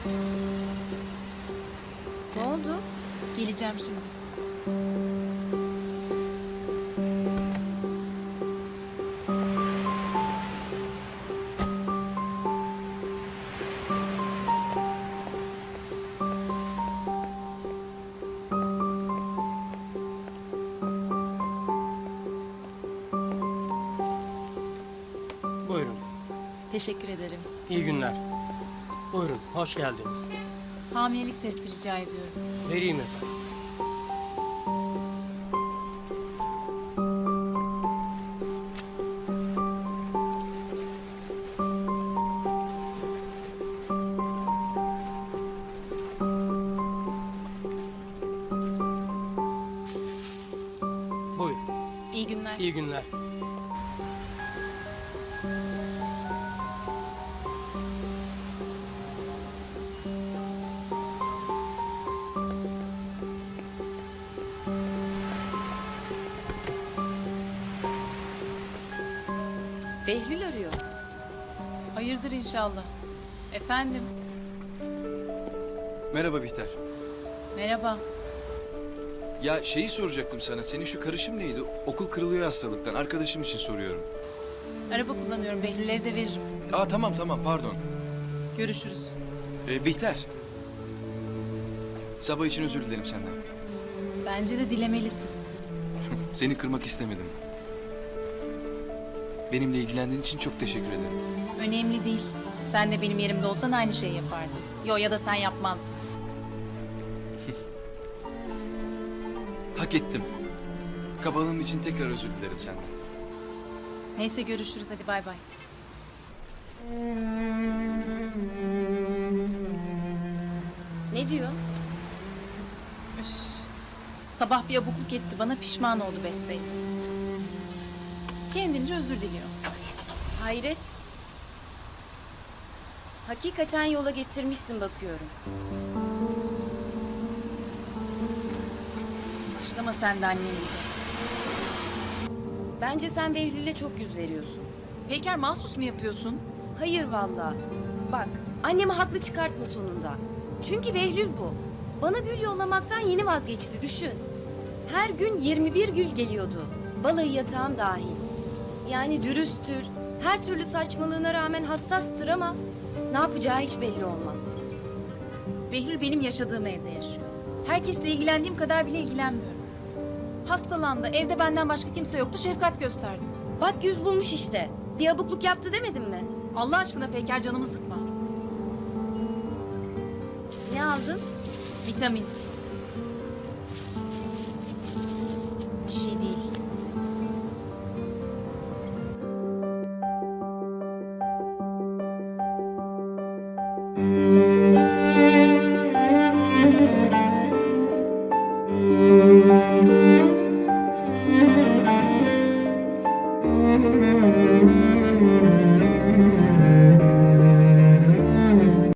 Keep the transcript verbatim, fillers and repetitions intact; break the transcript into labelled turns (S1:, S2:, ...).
S1: Ne oldu?
S2: Geleceğim şimdi.
S3: Buyurun.
S1: Teşekkür ederim.
S3: İyi günler. Buyurun, hoş geldiniz.
S2: Hamilelik testi rica ediyorum.
S3: Vereyim efendim. Buyurun.
S2: İyi günler.
S3: İyi günler.
S1: Behlül arıyor.
S2: Hayırdır inşallah. Efendim.
S4: Merhaba Bihter.
S2: Merhaba.
S4: Ya şeyi soracaktım sana. Senin şu karışım neydi? Okul kırılıyor hastalıktan. Arkadaşım için soruyorum.
S2: Araba kullanıyorum. Behlül'leri de veririm.
S4: Aa tamam tamam pardon.
S2: Görüşürüz.
S4: Ee, Bihter. Sabah için özür dilerim senden.
S2: Bence de dilemelisin.
S4: Seni kırmak istemedim. Benimle ilgilendiğin için çok teşekkür ederim.
S2: Önemli değil. Sen de benim yerimde olsan aynı şeyi yapardın. Yo, ya da sen yapmazdın.
S4: Hak ettim. Kabalığım için tekrar özür dilerim senden.
S2: Neyse, görüşürüz, hadi bay bay.
S1: Ne diyor?
S2: Sabah bir abukluk etti bana, pişman oldu besbelli. Kendince özür diliyor.
S1: Hayret. Hakikaten yola getirmişsin bakıyorum.
S2: Başlama sen de annem gibi.
S1: Bence sen Behlül'e çok yüz veriyorsun.
S2: Peyker, mahsus mu yapıyorsun?
S1: Hayır vallahi. Bak, annemi haklı çıkartma sonunda. Çünkü Behlül bu. Bana gül yollamaktan yeni vazgeçti, düşün. Her gün yirmi bir gül geliyordu. Balayı yatağım dahil. Yani dürüsttür, her türlü saçmalığına rağmen hassastır ama ne yapacağı hiç belli olmaz.
S2: Behlül benim yaşadığım evde yaşıyor. Herkesle ilgilendiğim kadar bile ilgilenmiyorum. Hastalandı, evde benden başka kimse yoktu, şefkat gösterdim.
S1: Bak yüz bulmuş işte. Bir abukluk yaptı demedim mi?
S2: Allah aşkına Peyker, canımı sıkma.
S1: Ne aldın?
S2: Vitamin. Bir şey değil.
S5: Thank you.